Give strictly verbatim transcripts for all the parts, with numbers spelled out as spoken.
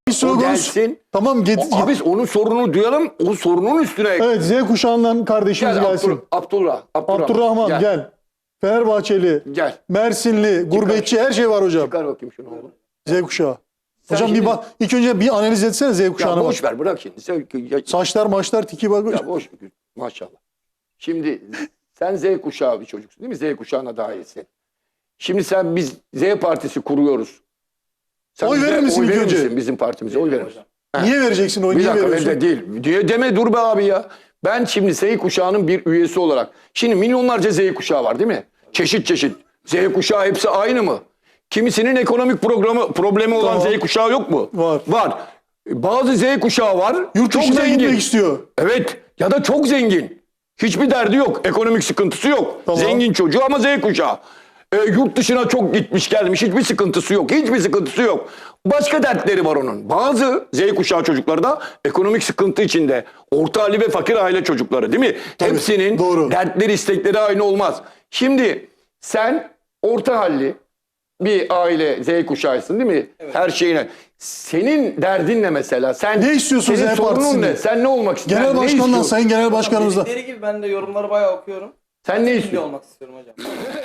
O gelsin. Tamam get, O, abi onun sorununu duyalım. O sorunun üstüne. Evet, Z kuşağından kardeşimiz Gel gelsin. Abdur, Abdullah, Abdurrahman. Abdurrahman gel. gel. Fenerbahçeli, Gel. Mersinli, gurbetçi her şey var hocam. Çıkar bakayım şunu oğlum. Z kuşağı. Sen Hocam şimdi, bir bak, ilk önce bir analiz etsene Z kuşağına. Ya boş bak. ver bırak şimdi. Sen, ya, Saçlar maçlar tiki bak. ya boş maşallah. Şimdi sen Z kuşağı bir çocuksun değil mi? Z kuşağına dahilsin. Şimdi sen biz Z partisi kuruyoruz. Sen Oy verir misin oy ilk verir önce? misin bizim partimize? Oy verir misin? Niye vereceksin oyu? Bir Niye dakika veriyorsun? öyle değil. Diye deme dur be abi ya. Ben şimdi Z kuşağının bir üyesi olarak. Şimdi milyonlarca Z kuşağı var değil mi? Çeşit çeşit. Z kuşağı hepsi aynı mı? Kimisinin ekonomik programı problemi olan Tamam. Z kuşağı yok mu? Var. Var. Bazı Z kuşağı var. Yurt çok dışına zengin. gitmek istiyor. Evet. Ya da çok zengin. Hiçbir derdi yok. Ekonomik sıkıntısı yok. Tamam. Zengin çocuğu ama Z kuşağı. E, yurt dışına çok gitmiş gelmiş. Hiçbir sıkıntısı yok. Hiçbir sıkıntısı yok. Başka dertleri var onun. Bazı Z kuşağı çocukları da ekonomik sıkıntı içinde. Orta halli ve fakir aile çocukları değil mi? Tabii, Hepsinin doğru. dertleri, istekleri aynı olmaz. Şimdi sen orta halli bir aile Z kuşağısın değil mi? Evet. Her şeyine. Senin derdin ne mesela? Sen Ne istiyorsun senin Z sorunun Partisi'nde? ne? Sen ne olmak istiyorsun? Genel Ne başkandan, istiyorsun? sayın genel başkanımızla. Dedikleri gibi ben de yorumları bayağı okuyorum. Sen ne Milli istiyorsun? olmak istiyorum hocam.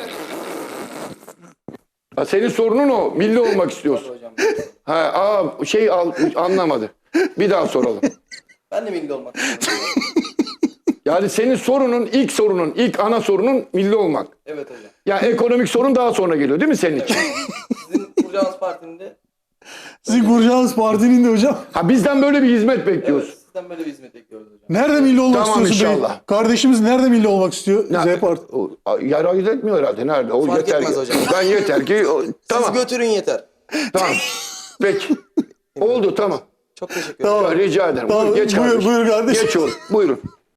Ha, senin sorunun o. Milli olmak istiyorsun. Tabii hocam. Ha, aa, şey al, anlamadı. Bir daha soralım. Ben de milli olmak istiyorum. Yani senin sorunun, ilk sorunun, ilk ana sorunun milli olmak. Evet hocam. Yani ekonomik sorun daha sonra geliyor değil mi senin için? Sizin kuracağınız partinin de Sizin kuracağınız partinin de hocam. Ha, bizden böyle bir hizmet bekliyoruz. evet, sizden böyle bir hizmet bekliyoruz hocam. Nerede milli olmak Tamam, istiyorsun bey? inşallah. Kardeşimiz nerede milli olmak istiyor? Ne- Z Parti. o- Yer ayırt etmiyor herhalde. Nerede? O Fark yeter etmez ki. hocam. Ben yeter ki. o- tamam. Siz götürün yeter. Tamam. Peki. Oldu tamam. Çok teşekkür ederim. Tamam. Rica ederim. Tamam, Buyur, geç buyur, kardeşim. buyur kardeşim. Geç oğlum. Buyurun.